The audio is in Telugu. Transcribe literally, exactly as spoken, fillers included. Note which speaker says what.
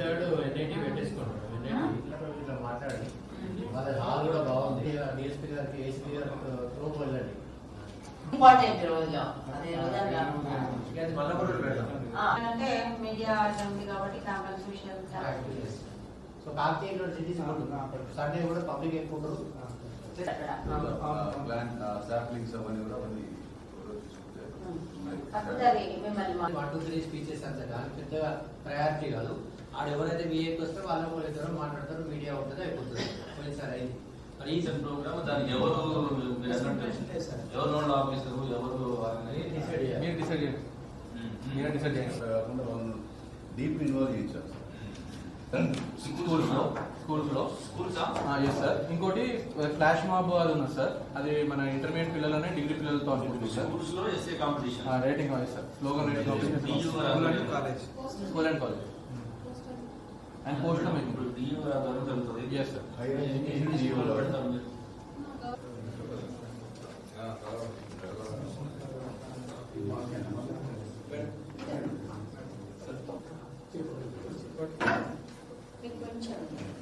Speaker 1: Third NIT పెట్టేసుకుంటాం. ఎన్ఐటీ మాట్లాడి వాళ్ళ హాల్ కూడా బాగుంది. డిఎస్పీ గారికి ఏసీ గారికి త్రూ వెళ్ళండి.
Speaker 2: ఇంపార్టెంట్ రోజు అదే రోజు
Speaker 3: అంటే మీడియా ఉంది కాబట్టి క్యాంపస్ విషయం.
Speaker 1: సో కాకతీయ సిటీస్ సండే కూడా పబ్లిక్ ఎక్కువ ఉండదు. వన్ టూ త్రీ స్పీచెస్ అంత కానీ పెద్దగా ప్రయారిటీ కాదు. ఆడ ఎవరైతే విఐకి వస్తే వాళ్ళ ఇద్దరు మాట్లాడతారు, మీడియా ఉంటుంది, అయిపోతుంది. పోయినసారి అయింది.
Speaker 4: మరి ఈ ప్రోగ్రామ్ దానికి ఎవరు ఎవరు నోడ్ ఆఫీసరు ఎవరు
Speaker 5: మీరు డిసైడ్ చేయండి. మీరు డిసైడ్ చేయండి.
Speaker 6: డీప్ ఇన్వాల్వ్ చేయించారు
Speaker 4: స్కూల్స్ లో స్కూల్స్ లో స్కూల్స్
Speaker 5: ఎస్ సార్. ఇంకోటి ఫ్లాష్ మాబ్ అది ఉన్నది సార్. అది మన ఇంటర్మీడియట్ పిల్లలనే డిగ్రీ పిల్లలతో అనుకుంటుంది సార్.
Speaker 4: స్కూల్స్ లో ఎస్ఏ కాంపిటీషన్
Speaker 5: రేటింగ్ కావాలి sir. Slogan rating competition school and college and post లో మీకు
Speaker 4: డియూ జరుగుతుంది.
Speaker 5: Yes sir.
Speaker 3: కొంచెం